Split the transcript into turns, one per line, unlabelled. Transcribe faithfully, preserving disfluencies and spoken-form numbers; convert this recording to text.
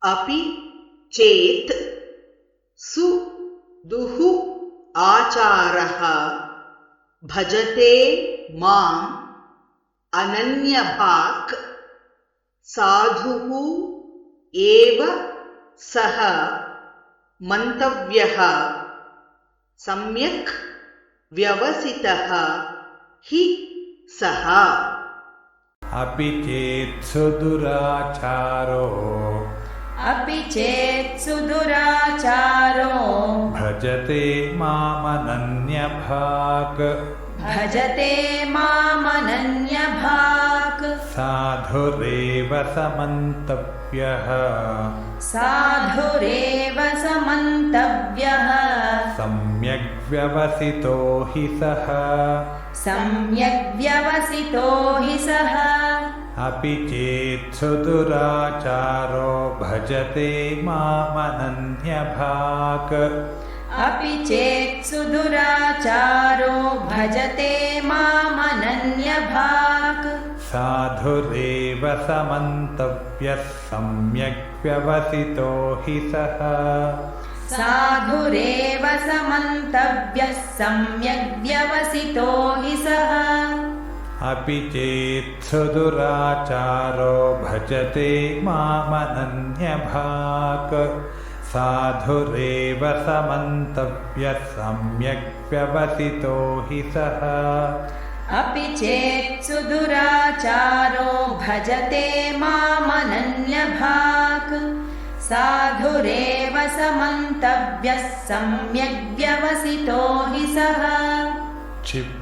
अपि चेत् सुदुः आचारः भजते माम् अनन्यभाक् साधुः एव सः मन्तव्यः सम्यक् व्यवसितः हि सः।
अपि चेत् सुदुराचारो
अपि चेत् सुदुराचारो
भजते मामनन्यभाक्
भजते मामनन्यभाक्
साधुरेव समन्तव्यः
साधुरेव समन्तव्यः
सम्यग् व्यवसितो हि सः
सम्यग् व्यवसितो हि सः।
अपि चेत् सुदुराचारो भजते मामनन्यभाक्
अपि चेत् सुदुराचारो भजते मामनन्यभाक्
साधुरेव समन्तव्यः सम्यग् व्यवसितो हि सः
साधुरेव समन्तव्यः सम्यग् व्यवसितो हि सः।
अपि चेत् सुदुराचारो भजते मामनन्यभाक् साधुरेव समन्तव्यः सम्यग् व्यवसितो हि सः।
अपि चेत् सुदुराचारो भजते मामनन्यभाक् साधुरेव समन्तव्यः सम्यग् व्यवसितो हि सः।